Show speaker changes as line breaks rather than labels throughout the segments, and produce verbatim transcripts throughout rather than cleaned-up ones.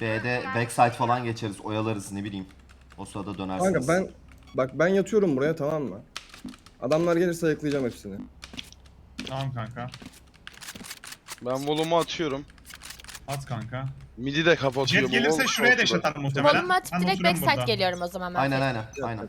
B'de backside falan geçeriz, oyalarız ne bileyim. O sırada dönersiniz.
Kanka ben bak ben yatıyorum buraya, tamam mı? Adamlar gelirse ayıklayacağım hepsini.
Tamam kanka.
Ben volumu atıyorum.
At kanka.
Midi de kapatıyorum.
Jet gelirse
Vol-
şuraya
ortada.
deş atar muhtemelen.
Volume atıp
Ben
direkt
oturuyorum
backside
burada.
geliyorum o zaman ben.
Aynen aynen aynen.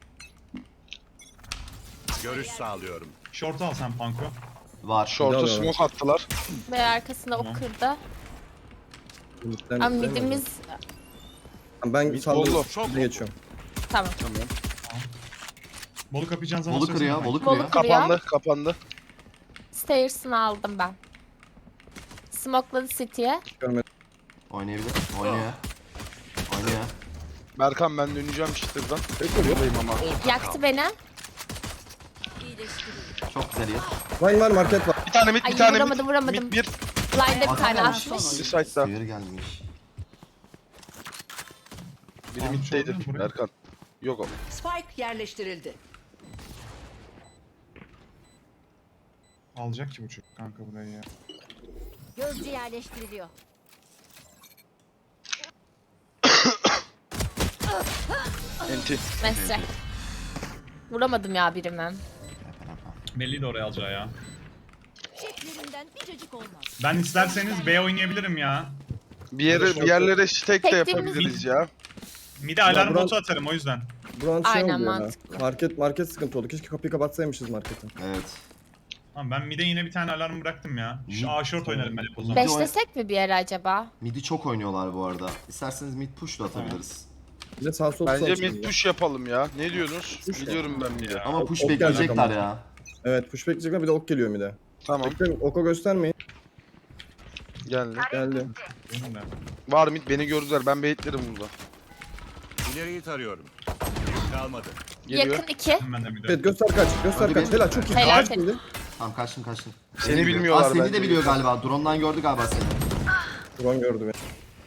Görüş sağlıyorum.
Short'u al sen Panko.
Var.
Short'a
Gidiyorlar.
smoke attılar.
Ve arkasında
Tamam.
ok kırdı.
Midden
Ama
gitmem
midimiz...
lazım. Ben
Mid
saldırı
bolu.
mid'e geçiyorum.
Tamam.
Tamam.
Bolu kapayacağın zaman
Bolu
söylesene
kırıyor,
kanka.
bolu
Bolu
kırıyor.
kırıyor.
Kapandı, kapandı.
Stairs'ını aldım ben. Smokeladı City'ye.
Görmedim.
Oynayabilir. Oynuyor. Oynuyor.
Berkan ben döneceğim çıtırdan.
Bekliyor.
Buradayım ama.
Yaktı beni.
Çok güzel yer.
Line var, market var.
Bir tane mid,
Ay,
bir tane
vuramadım,
mid.
vuramadım.
Mid bir.
Line'da bir
Adam
tane
gelmiş.
atmış.
Bir side'da.
Sıyır gelmiş.
Biri
Tamam,
middeydi.
şuradan buraya.
Berkan. Yok o.
Spike yerleştirildi.
Alacak ki bu çocuk kanka burayı ya.
Gözcü yerleştiriliyor.
Enti.
Mesre. Vuramadım ya birimi.
Belli de oraya alacağı ya.
Şeklerinden bir cacık olmaz.
Ben isterseniz B oynayabilirim ya.
Bir yere bir yerlere stack de
Tektiğimiz-
yapabiliriz ya.
Mide alarm
buran-
botu atarım o yüzden.
Buranın şey
Aynen,
oluyor ya.
mantıklı.
Market market sıkıntı oldu. Keşke kapıyı kapatsaymışız marketin.
Evet.
Tamam ben mide yine bir tane alarm bıraktım ya. Şu A short oynarım ben hep o zaman.
Beş-
Beşlesek mi bir yere acaba?
Mid'i çok oynuyorlar bu arada. İsterseniz mid push da atabiliriz.
Bir de sağ sol
Bence
çalışalım
mid
ya.
push yapalım ya. Ne diyorsunuz?
Push
Gidiyorum ben mid'e.
Ama push
ok gelecek
bekleyecekler
ama.
ya.
Evet, push bekleyecekler, bir de ok geliyor bir de.
Tamam.
Bekleyin, oku göstermeyin.
Geldi.
Geldi.
Benim de.
Var mid beni gördüler. Ben baitlerim burada.
İleriyi tarıyorum. Kalmadı.
Geliyor.
Yakın iki.
Ben de mide.
Evet, göster kaç, göster
Hadi
kaç.
be.
Helal, çok iyi.
Helal
Kaç
seni.
şimdi?
Tamam kaçtın kaçtın.
Seni
biliyor.
bilmiyorlar
Aa, seni
bence.
de biliyor galiba. Drone'dan gördü galiba seni.
Drone gördü beni.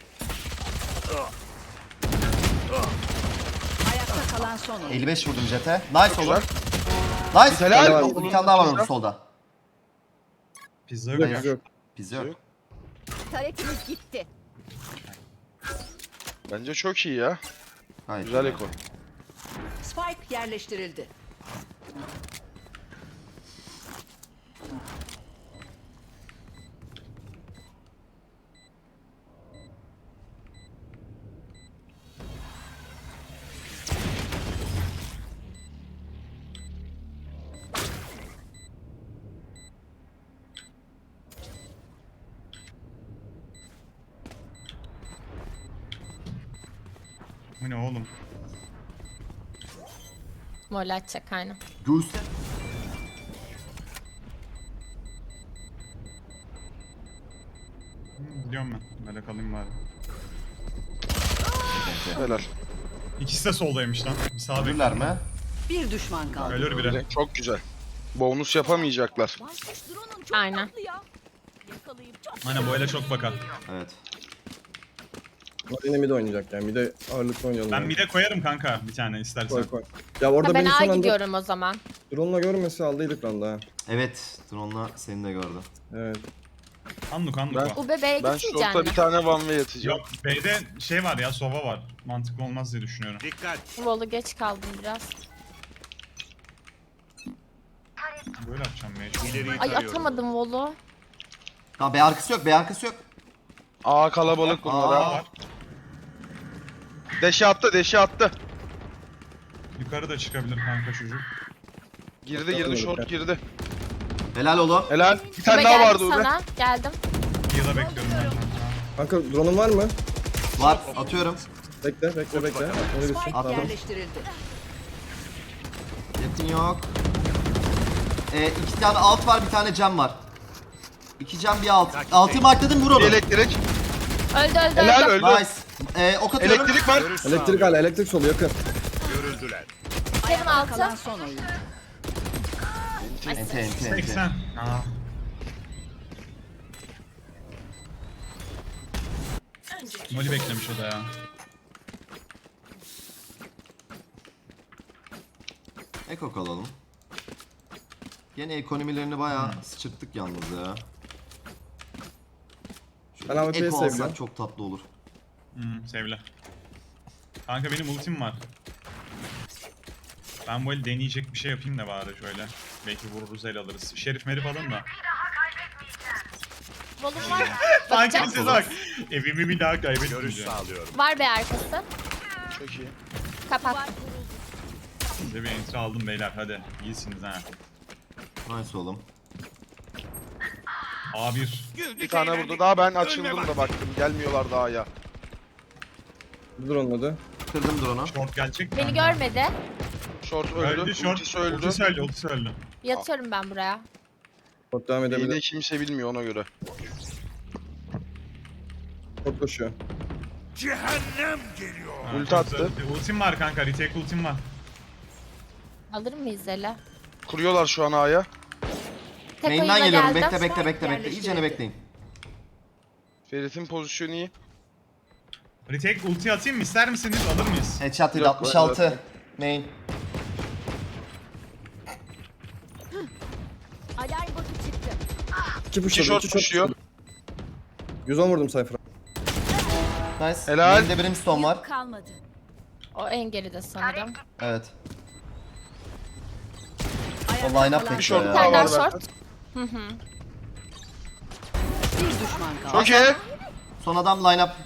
Ayakta kalan son oyun.
elli beş vurdum jete. Nice
Güzel.
oğlum. Nice.
Helal.
Helal. Bir tane daha var orada solda.
Pizza yok
Yok,
ya.
yok.
Pizza yok.
Yok.
Taretimiz gitti.
Bence çok iyi ya.
Hayır.
Güzel ekon.
Spike yerleştirildi.
Bu ne oğlum?
Mol atacak aynen.
Göğüs.
Hı, Biliyorum ben. Böyle kalayım bari.
Helal.
İkisi de soldaymış lan. Bir sağa
Ölürler
bekliyorum.
mi?
Bir düşman kaldı.
Ölür biri.
Çok güzel. Bonus yapamayacaklar.
Baykuş drone'un çok
Aynen.
tatlı ya. Yakalayıp çok
Aynen bu ele çok bakar.
Evet.
Bunlar yine mid oynayacak yani. Mide ağırlıklı oynayalım.
Ben
yani.
mide koyarım kanka bir tane istersen.
Koy koy. Ya orada
Ha, ben
beni
A
son anda
gidiyorum o zaman.
drone'la görmese aldıydık lan daha.
Evet. Drone'la seni de gördü.
Evet.
Anluk anluk
Ben-
var.
Bu bebeğe
Ben
gitmeyecek
short'a bir tane one way atacağım.
Yok B'de şey var ya sova var. Mantıklı olmaz diye düşünüyorum.
Dikkat.
Volu geç kaldım biraz.
Böyle yapacağım mecbur.
İleriyi
Ay
tarıyorum.
atamadım Volu.
Tamam B arkası yok. B arkası yok.
Aa kalabalık bunlar
Aa.
ha.
var.
Deşe attı, deşe attı.
Yukarı da çıkabilir kanka çocuk.
Girdi girdi short girdi.
Helal oğlum.
Helal. Bir
Ube
tane daha
geldim
vardı orada.
sana. Geldim.
Yıla bekliyorum ben kanka.
Kanka drone'un var mı?
Var. Atıyorum.
Bekle, bekle, bekle. Öyle bir şey.
Spike
Attım.
yerleştirildi.
Yakın yok. Ee, iki tane alt var, bir tane cam var. İki cam bir alt. Altı markladım, vur onu.
Bir elektrik.
Öldü öldü
Helal
öldü.
öldü.
Nice. Ee, ok atıyorum.
Elektrik var.
Görüş
Elektrik
sağlıyorum.
hala, elektrik solu yakın.
Görüldüler.
Kevin
Ayakta kalan
altı.
son oyun.
Ente ente ente.
seksen. Aa. Molly beklemiş o da ya.
Ekok alalım. Gene ekonomilerini bayağı sıçırttık yalnız ya.
Ben
Şöyle
A W P'yi
eko
seviyorum.
alsak çok tatlı olur.
Hmm, sevle. Kanka benim ultim var. Ben böyle deneyecek bir şey yapayım da bari şöyle. Belki vururuz, el alırız. Şerif merif alın da.
Volum var.
Sanki
Bakacağım.
size bak. Evimi bir daha
Görüş
kaybetmeyeceğim.
sağlıyorum.
Var be arkası.
Çok iyi.
Kapat.
Size bir entry aldım beyler, hadi. İyisiniz ha.
Nice oğlum.
A bir.
Bir tane vurdu. Daha ben açıldım da baktım. Gelmiyorlar daha ya.
Dur onun adı.
Kırdım drone'u.
Short gelecek mi?
Beni görmedi.
Short öldü.
Öldü short.
Ultisi öldü.
Ultisi öldü, ultisi öldü.
Yatıyorum ben buraya.
Short devam
Yine
edebilir.
kimse bilmiyor ona göre.
Short koşuyor.
Cehennem geliyor.
Ha,
Ulti attı.
Ultim var kanka, retake ultim var.
Alır mıyız ele?
Kuruyorlar şu an A'ya.
Tek
Main'den
oyuna
geliyorum.
geldim.
Bekle bekle bekle bekle.
Yerleştirildi.
İyicene bekleyin.
Ferit'in pozisyonu iyi.
Retake ulti atayım mı, ister misiniz? Alır mıyız?
Headshot yedi
Yok,
altmış altı.
evet.
Main.
Alarm botu çıktı.
İki
İki
pushladı.
short
iki short
pushuyor.
pushladı. yüz on vurdum Cypher'a.
Nice.
Helal.
Main'de Brimstone var.
Kalmadı.
O en geride sanırım.
Evet.
Ayakta
O line up
kalan
Bir
bekliyor
short
Bir
ya.
daha
tane daha
var
short.
zaten.
bir düşman kaldı.
Çok iyi.
Son adam line up.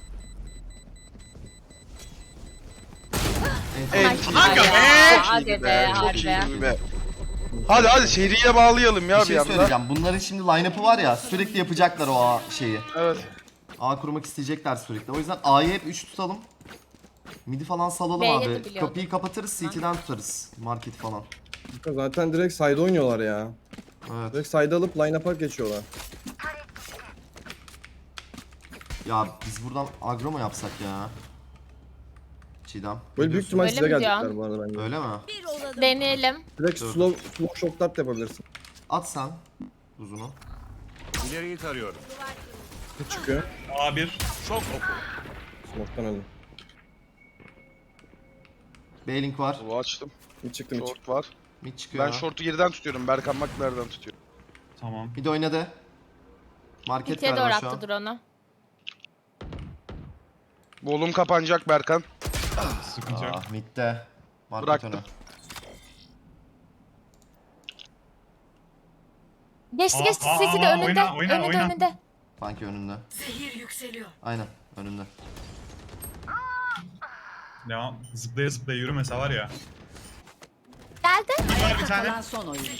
Evet.
Kanka
Ya,
be!
Hadi
İyi
be,
Çok
harbi.
iyi be. Hadi hadi seriye bağlayalım ya
Bir
bir,
şey
anda.
söyleyeceğim. Bunların şimdi line-up'ı var ya, sürekli yapacaklar o A şeyi.
Evet.
A kurmak isteyecekler sürekli. O yüzden A'yı hep üç tutalım. Midi falan salalım
B'ye de
abi.
biliyordum.
Kapıyı kapatırız, C T'den tutarız. Market falan.
Zaten direkt side oynuyorlar ya.
Evet.
Direkt side alıp line-up'a geçiyorlar.
Ya biz buradan agro mu yapsak ya? Çiğdem.
Böyle büyük ihtimal
Öyle
size
mi
gelecekler
diyorsun?
bu arada bence.
Öyle mi?
Bir olalım.
Deneyelim.
Direkt
Dur.
slow, slow shot dart yapabilirsin.
At sen uzunu.
İleriyi tarıyorum.
Bir çıkıyor.
A bir.
Şok oku.
Smoke'tan öldü.
B-Link var.
Bu açtım.
Bir çıktı mid çıktı.
Short var.
Mid çıkıyor.
Ben short'u geriden tutuyorum. Berkan bak nereden tutuyor.
Tamam.
Mid oynadı. Market
Pitiye doğru
galiba şu an.
attı drone'u.
Volum kapanacak Berkan.
Sıkıntı yok.
Ah midde. Market
Bıraktım.
öne.
Geçti
Aa,
geçti.
aa,
Sesi de
aa,
önünde.
oyna, oyna,
önünde
oyna.
önünde.
Sanki önünde.
Zehir yükseliyor.
Aynen önünde.
Devam. Zıplaya zıplaya yürümese var ya.
Geldi.
Var bir
Ayakta
tane.
kalan son oyuncu.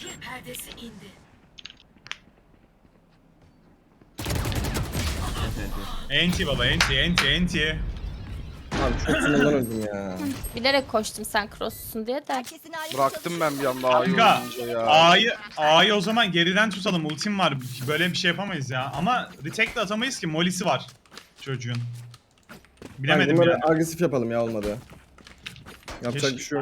Enti enti.
Enti baba, enti, enti, enti.
Abi çok sınırdan öldüm ya.
Bilerek koştum sen cross'sun diye de.
Herkesin ayrı
Bıraktım ben bir anda A'yı
Kanka,
oynayınca ya.
A'yı A'yı o zaman geriden tutalım. Ultim var. Böyle bir şey yapamayız ya. Ama retake de atamayız ki. Molisi var çocuğun. Bilemedim
Bunları
ya.
agresif yapalım ya olmadı. Yapacak
Keşke-
bir şey yok.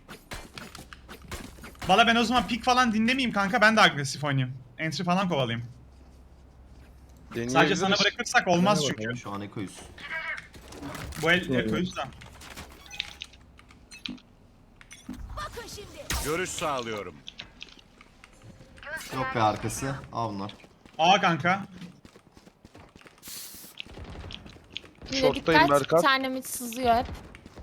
Valla ben o zaman pick falan dinlemeyeyim kanka. Ben de agresif oynayayım. Entry falan kovalayayım. Sadece
Deneyebiliriz.
sana bırakırsak olmaz
Dene
çünkü.
bakalım.
Şu an ekoyuz.
Bu el
Doğru.
ekoyuz da.
bakın şimdi.
Görüş sağlıyorum.
Yok be arkası. Al bunlar.
A kanka.
Bir de
Short'tayım
dikkat.
Berkan.
Bir tane mid sızıyor hep.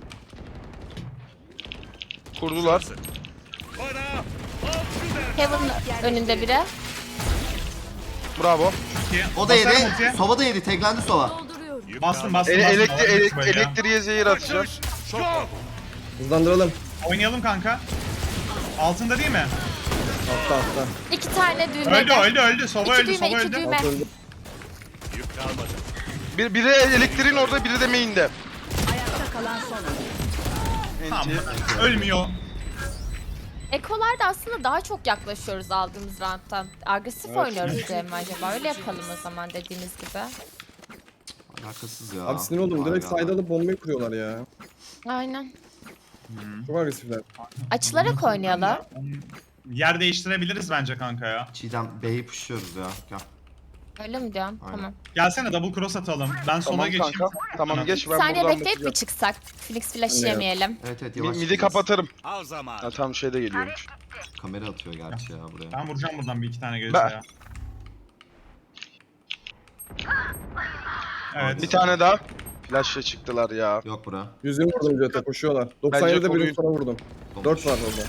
Kurdular.
Bana
Heaven önünde biri.
Bravo.
İki.
O da
Basarım
yedi.
ultiye.
Sova da yedi. Teklendi Sova.
Dolduruyorum.
yük
Bastım
kalmadı.
bastım
Ele
bastım.
elektri
Alalım
elek-
böyle ya.
elektriğe zehir atacağım.
Kaçış. Şok oku.
Hızlandıralım.
Oynayalım kanka. Altında değil mi?
Altta altta.
İki tane düğme.
Öldü öldü öldü. Sova
İki
öldü
düğme,
Sova
iki
öldü.
düğme.
Alt öldü.
Yük kalmadı.
Bir, biri elektriğin orada, biri de main'de.
Ayakta kalan son oyuncu.
Tamam.
Enti.
Ölmüyor.
Ekolarda aslında daha çok yaklaşıyoruz aldığımız round'tan. Agresif
Evet.
oynuyoruz diye mi acaba? Öyle yapalım o zaman dediğiniz gibi.
Alakasız ya.
Abi sinir oldum. Direkt
Vay
side
be.
alıp bombayı kuruyorlar ya.
Aynen.
Çok agresifler.
Açılarak oynayalım.
Yer değiştirebiliriz bence kanka ya.
Çiğdem B'yi pushluyoruz ya. Gel.
Öyle mi diyorum?
Aynen.
Tamam.
Gelsene double cross atalım. Ben sola
Tamam
geçeyim.
kanka. Tamam geç
Bir
ben
saniye
buradan
bekleyip mi
bakacağım.
çıksak? Phoenix flash
Anlıyorum.
yemeyelim.
Evet evet
Mi-
yavaş.
Midi
çıkacağız.
kapatırım.
Al zaman.
Ha, tam şeyde geliyormuş.
Kamera atıyor gerçi ya buraya.
Ben vuracağım buradan bir iki tane gelirse
Ben-
ya. Evet.
Bir tane daha. Flash'la çıktılar ya.
Yok bura.
yüz yirmi vurdum Jet'e koşuyorlar. doksan yedide
koruyun.
birini sonra vurdum. dört var orada.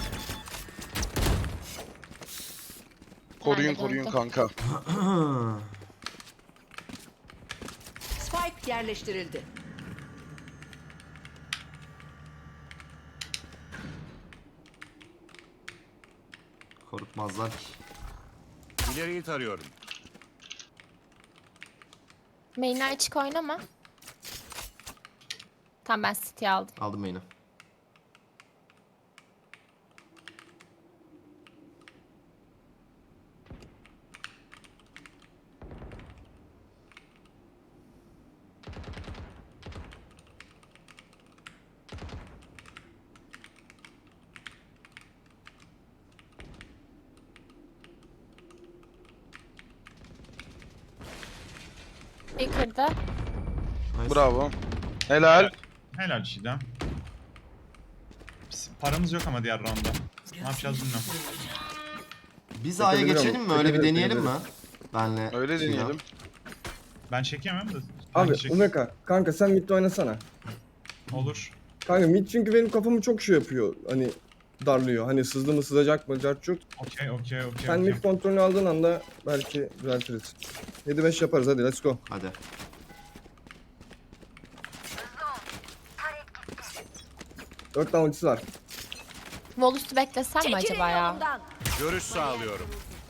Koruyun
Ben de
koruyun
döndüm.
kanka.
Spike yerleştirildi.
Korkmazlar ki.
İleriyi tarıyorum.
Main'ler açık oynama. Tamam ben City aldım.
Aldım main'i.
Bir kırdı.
Nice.
Bravo. Helal.
Helal Çiğdem. Biz- Paramız yok ama diğer roundda. Ne yapacağız bilmiyorum.
Biz A'ya
Çekebilirim.
geçelim mi? Öyle bir
Çekebilirim,
deneyelim mi?
çekebilirim.
Benle.
Öyle
Çiğdem.
deneyelim.
Ben çekemem de.
Abi
Ben çek-
Umeka kanka sen midde oynasana.
Olur.
Kanka mid çünkü benim kafamı çok şey yapıyor. Hani darlıyor. Hani sızdı mı sızacak mı cart çok.
Okey okey okey.
Sen
okey.
mid kontrolünü aldığın anda belki düzeltiriz. yedi beş yaparız hadi let's go.
Hadi.
dört tane ultisi var.
Volus'u beklesem mi
Çekilin
acaba ya?
yolumdan.
Görüş sağlıyorum.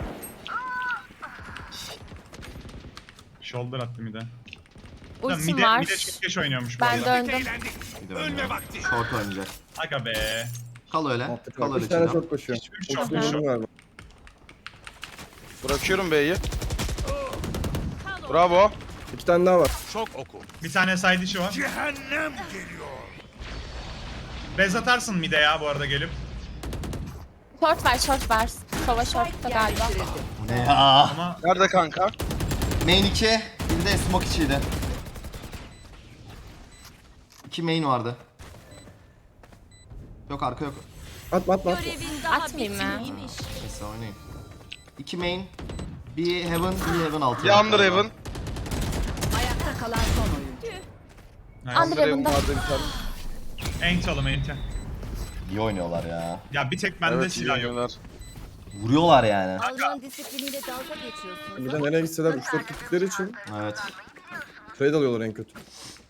Shoulder attı mide.
Ultim
Mide,
var.
mide çok geç oynuyormuş bu
Ben
arada.
döndüm.
Eğlendik.
Bir de
Ölme
ben
vakti.
Short oynayacak.
Aga be.
Kal öyle.
Mantıklı.
Kal öyle
üç tane
Çiğdem.
çok koşuyor.
Üç- üç çok
Ultisini
koşuyor.
vurdum galiba.
Bırakıyorum B'yi. Bravo.
İki tane daha var.
Çok oku.
Bir tane side işi var.
Cehennem geliyor.
Bez atarsın mide ya bu arada gelip.
Short ver short ver. Sova short'ta
Spike
galiba.
yerleştirildi.
Bu ne ya?
Ama
Nerede kanka?
Main iki. Bir de smoke içiydi. İki main vardı. Yok arka yok.
Atma atma atma.
Görevin daha
Atmayayım mı?
bitmiymiş.
Neyse oynayın. İki main. Bir heaven, bir heaven altı.
Bir Under Heaven.
Ayakta kalan son oyuncu.
nice.
Under Heaven'da.
vardı bir tane.
Ent oğlum enti.
İyi oynuyorlar ya.
Ya bir tek bende
Evet iyi
silah yok.
oynuyorlar.
Vuruyorlar yani.
Alman disipliniyle dalga geçiyorsunuz.
Bir de nereye gitseler üç dört gittikleri için
Evet.
trade alıyorlar en kötü.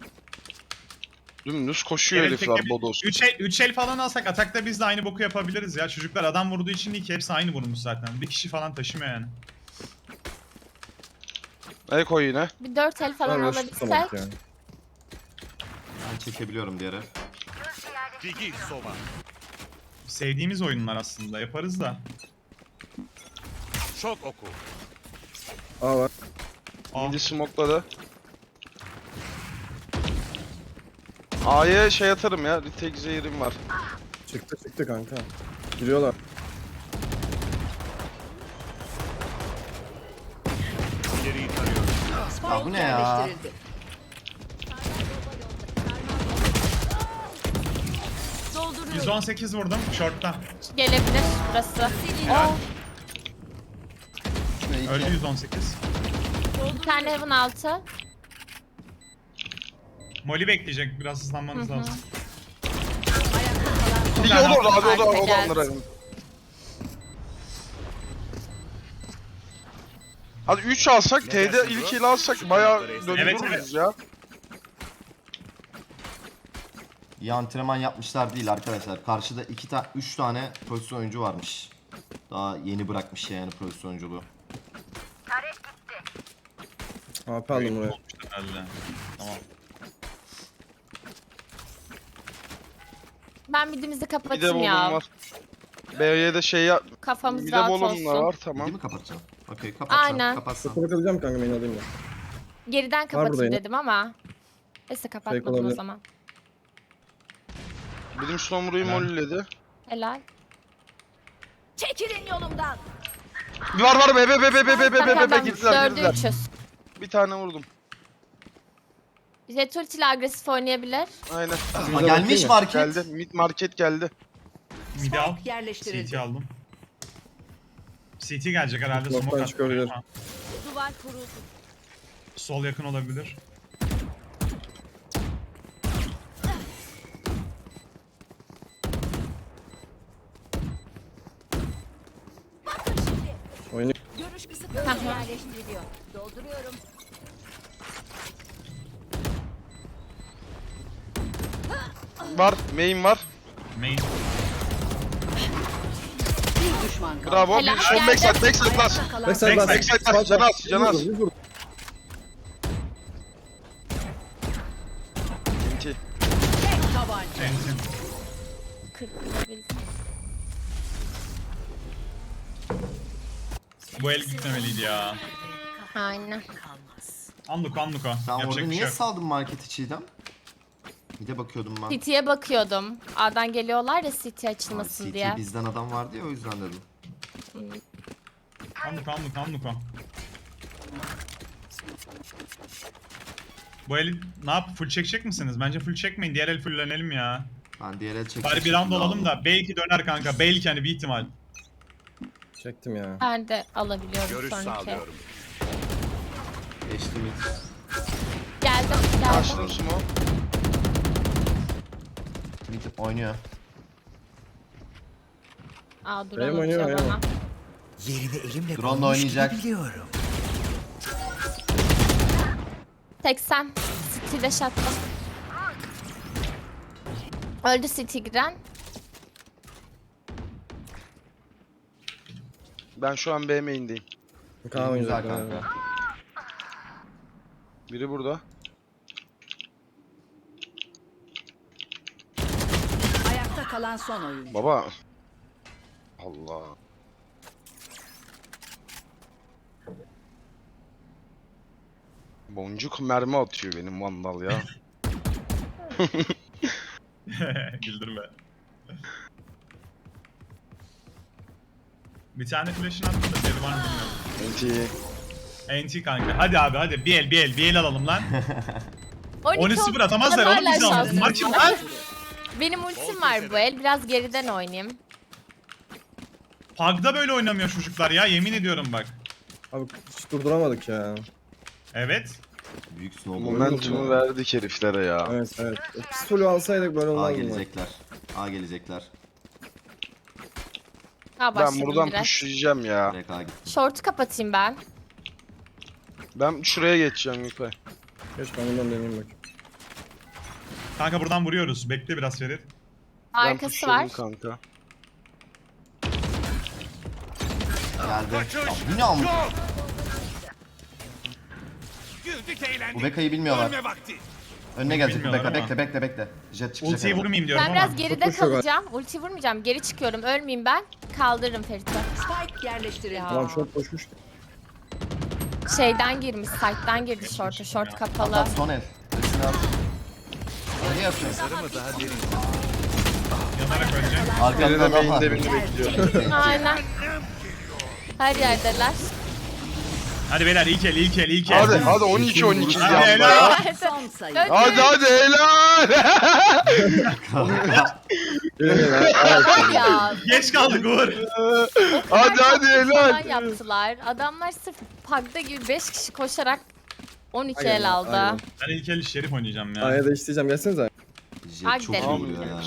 Dümdüz koşuyor
Evet,
herifler
tek-
bodos.
Üç el, üç el falan alsak atakta biz de aynı boku yapabiliriz ya. Çocuklar adam vurduğu için değil ki hepsi aynı vurmuş zaten. Bir kişi falan taşımıyor yani.
Ne koy yine?
Bir dört el falan
Ben rush
alabilsek.
tutamadık yani.
Ben çekebiliyorum diğeri.
Digi sova.
Sevdiğimiz oyunlar aslında yaparız da.
Çok oku.
A var.
Aa,
Midi smokladı. A'ya şey atarım ya. Retake zehirim var.
Çıktı çıktı kanka. Giriyorlar.
İleriyi tarıyorum.
Spike
Ya bu ne ya?
yerleştirildi.
yüz on sekiz vurdum short'ta.
Gelebilir burası. Oh,
Şuraya iki.
Öldü yüz on sekiz.
bir tane Heaven altı.
Molly bekleyecek biraz hızlanmanız lazım.
Digi
tane
olur abi o da
arka
o da
geldi.
Under Heaven. Hadi üç alsak, T'de
dersin
ilk
bro?
il alsak bayağı
Evet,
döndürürüz
evet.
ya.
İyi antrenman yapmışlar değil arkadaşlar. Karşıda iki tane, üç tane pozisyon oyuncu varmış. Daha yeni bırakmış yani pozisyon oyunculuğu.
A P aldım buraya.
Olmuştur herhalde. Tamam.
Ben midimizi
Bir de
kapatayım
bolum
ya.
var. B'ye de şey yap.
Kafamız
Bir de
rahat
bolum da
olsun.
var
Değil
tamam.
mi kapatacağım? Okey kapatacağım.
Aynen.
Kapatsan.
Kapatabileceğim kanka main alayım ya.
Geriden kapatayım
burada yine.
dedim ama. Neyse kapatmadım o
olabilir.
zaman.
Bizim Storm'u molledi.
Helal.
Çekilin yolumdan.
Var var be be be be be be be be
Tamam,
be
tamam.
girdiler
Dördü
girdiler.
üçüz.
Bir tane vurdum.
Jet ulti ile agresif oynayabilir.
Aynen.
Aa, gelmiş market.
Geldi. Mid market geldi.
Midi al.
Spike yerleştirildi.
C T aldım. C T gelecek herhalde
Smoke'tan
smoke
çıkabilir.
attı.
Duvar kuruldu.
Sol yakın olabilir.
Görüş kısıtlanıyor. Yerleştiriliyor. Dolduruyorum.
Var. Main var.
Main.
Bir düşman kaldı.
Bravo.
Helal,
Bir son
geldi.
backside. Backside last.
Ayakta kalan
Backside
Backside,
bas.
backside bas. Can az, can az.
Yüz vur, yüz vur.
İki.
tek tabanca.
Enti.
kırk vurabildim.
Bu el gitmemeliydi ya.
Aynen.
Anluko anluko.
Sen
Yapacak
orada
bir şey
niye
yok.
saldın marketi Çiğdem? Bir de bakıyordum ben.
City'ye bakıyordum. A'dan geliyorlar ya City açılmasın
City
diye.
bizden adam vardı ya o yüzden dedim.
Anluko anluko anluko. Bu eli ne yap? Full çekecek misiniz? Bence full çekmeyin. Diğer el fulllenelim ya.
Ben diğer el çektim.
Bari bir round olalım da belki döner kanka. Belki hani bir ihtimal.
Çektim ya.
Ben de alabiliyorum
Görüş
sonraki.
sağlıyorum.
Geçtim hiç.
Geldim geldim.
Açtım smoke.
Mid oynuyor.
Aa
Benim
drone
oynuyor,
atıyor
benim.
bana.
Drone'la oynayacak.
seksen. City dash attım. Öldü City giren.
Ben şu an B main'deyim.
Kaan
Güzel
oynayacak.
kanka.
galiba.
Biri burada.
Ayakta kalan son oyuncu.
Baba. Allah. Boncuk mermi atıyor benim vandal ya.
Güldürme. Bir tane flash'ın attım da seri var mı bilmiyorum.
Enti.
N T kanka. Hadi abi hadi. Bir el bir el bir el alalım lan. on üç
on
sıfır atamazlar
Hala
oğlum bizi ama.
şansım
Bunlar kim
var.
lan?
Benim ultim var bu el. Biraz geriden oynayayım.
Pug'da böyle oynamıyor çocuklar ya. Yemin ediyorum bak.
Abi hiç durduramadık ya.
Evet.
Büyük snowball.
Momentumu verdik heriflere ya.
Evet evet. O pistolü alsaydık böyle
A
olmazdı.
gelecekler. A gelecekler.
Ha
Ben
başladım
buradan
biraz.
pushlayacağım ya.
Direkt A gitti.
Short'u kapatayım ben.
Ben şuraya geçeceğim yukarı.
Geç ben bundan deneyeyim bak.
Kanka buradan vuruyoruz. Bekle biraz Ferit.
Ben
Arkası
pushladım
var.
kanka.
Geldi. Ya bu ne amk?
Güldük eğlendik.
Bu Beka'yı bilmiyorlar.
Ölme vakti.
Önüne gelecek bu
Bilmiyorlar
Beka.
ama.
Bekle bekle bekle. Jet çıkacak.
şey
Ultiyi
hemen.
vurmayayım diyorum
Ben
ama.
biraz geride
Çok koşuyor
kalacağım. Ulti vurmayacağım. Geri çıkıyorum. Ölmeyeyim ben. Kaldırırım Ferit'i.
Spike yerleştirildi.
Ya.
Tamam çok koşmuş.
Şeyden girmiş. Site'den girdi short'a. Short kapalı.
At son el. Hepsini at. Ne yapıyorsun?
Sarı mı daha derin?
Yanarak öleceğim.
Arkanda
Birine
adam var.
main'de birini bekliyor.
Aynen. Her yerdeler.
Hadi beyler ilk el ilk el ilk el.
Hadi hadi on iki on iki
Hadi
yanda
helal.
ya.
Son sayı.
Öldü.
Hadi hadi helal.
Ya.
Geç kaldık Uğur.
Hadi hadi
Falan
helal.
yaptılar. Adamlar sırf Pug'da gibi beş kişi koşarak on iki
Aynen,
el aldı.
aynen.
Ben ilk el Şerif oynayacağım ya.
Aya değiştireceğim. Gelsenize.
Hadi
Jet çok iyi
gidelim.
vuruyor ya.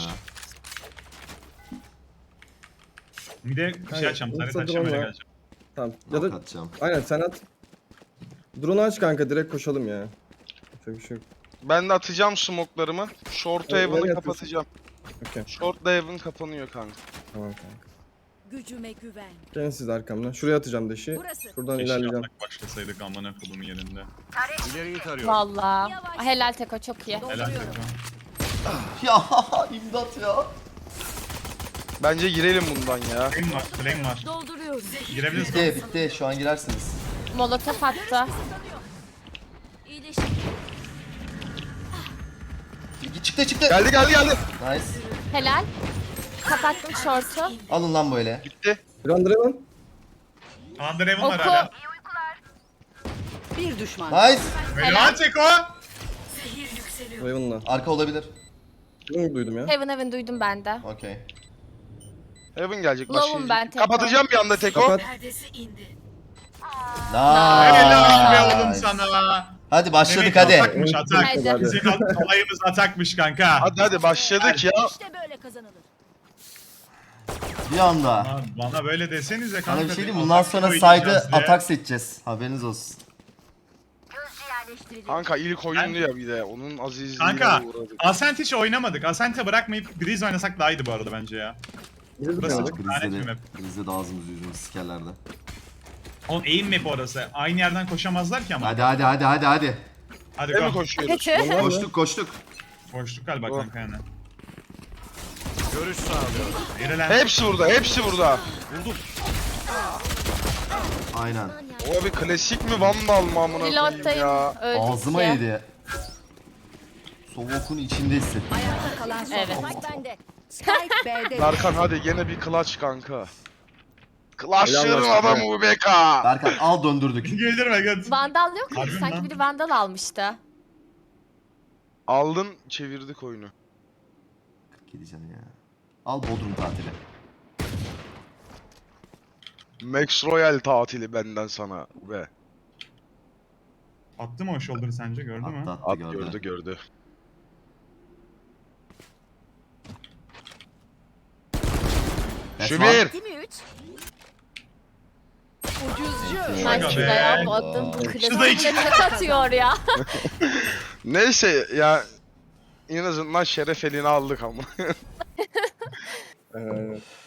Bir de bir şey
Hayır,
açacağım. Tarih
yoksa
açacağım öyle
drone
geleceğim.
Tamam. Ya
Nok
da
atacağım.
aynen sen at. Drone aç kanka direkt koşalım ya. Çok bir şey yok.
Ben de atacağım smoke'larımı. Short
Nereye
Haven'ı
atıyorsun?
kapatacağım.
Okey.
Short Haven kapanıyor kanka.
Tamam kanka.
Gücüme güven.
Gelin siz de arkamdan. Şuraya atacağım deşi.
Burası.
Şuradan
Keşke
ilerleyeceğim.
yapmak başlasaydık amına kodumun yerinde.
İleriyi tarıyorum.
Valla.
Yavaş.
Helal Teko çok iyi.
Helal
Dolduruyorum.
Teko.
Ya imdat ya.
Bence girelim bundan ya.
Flame var, flame var.
Dolduruyorum.
Girebiliriz mi?
Bitti bitti şu an girersiniz.
Molotof attı.
İyileştim.
Çıktı çıktı.
Geldi geldi geldi.
Nice.
Helal. Kapattım short'u.
Alın lan böyle.
Bitti.
Grand Dragon.
Underhaven var
Oku.
hala.
Bir düşman.
Nice.
Helal Teko.
Raven'la.
Arka olabilir.
Bunu duydum ya.
Heaven Heaven duydum ben de.
Okey.
Heaven gelecek
Low'um ben
başlayacak.
tekrar.
Kapatacağım bir anda Teko.
Kapat.
Helal be oğlum
Nice.
sana.
Hadi başladık
Mehmet,
hadi.
Atakmış atak.
Haydi.
Bizim olayımız atakmış kanka.
Hadi hadi başladık ya.
İşte böyle kazanılır.
Bir anda.
Bana, bana böyle desenize kanka.
Sana bir şey diyeyim mi?
atak
Bundan sonra
oynayacağız
side'ı
diye.
atak seçeceğiz. Haberiniz olsun.
Yerleştiriliyor.
Kanka ilk oyundu ya bir de. Onun azizliğine
Kanka
uğradık.
Ascent hiç oynamadık. Ascent'e bırakmayıp Breeze oynasak daha iyiydi bu arada bence ya.
Biz de
Burası
denedik.
çok lanet bir
Grizde de,
map.
Grizde de ağzımızı yüzümüzü sikerlerdi.
Oğlum aim map orası. Aynı yerden koşamazlar ki ama.
Hadi hadi hadi hadi hadi.
Hadi
Ne mi
go.
koşuyoruz?
Vallahi
Koştuk koştuk.
Koştuk galiba
Go.
kanka yani.
Görüş sağlıyorum.
Yere lan.
Hepsi burada, hepsi burada.
Aynen.
O bir klasik mi Vandal mı amına koyayım
Pilottayım.
ya?
Öldük
Ağzıma
ya.
yedi. Soğuk'un içinde hissettim ya.
Ayakta kalan son
Evet.
oyuncu.
Bak bende.
Spike B'de.
Berkan hadi gene bir clutch kanka. Clutch'ların
Helal olsun
adamı bu Beka.
Berkan al döndürdük.
Güldürme göt.
Vandal yok mu?
Harbi mi
Sanki
lan?
biri Vandal almıştı.
Aldın çevirdik oyunu.
Gideceğim ya. Al Bodrum tatili.
Max Royal tatili benden sana be.
Attı mı o shoulder'ı sence gördü mü?
Attı attı
At
gördü.
gördü gördü.
That's
Şu
one.
bir.
Değil mi üç?
Ucuzcu.
Ben
Aga
şuraya
be.
baktım. Bu
Şu da iki.
klasikle tek atıyor ya.
Neyse ya en azından şeref elini aldık ama.
Aynen.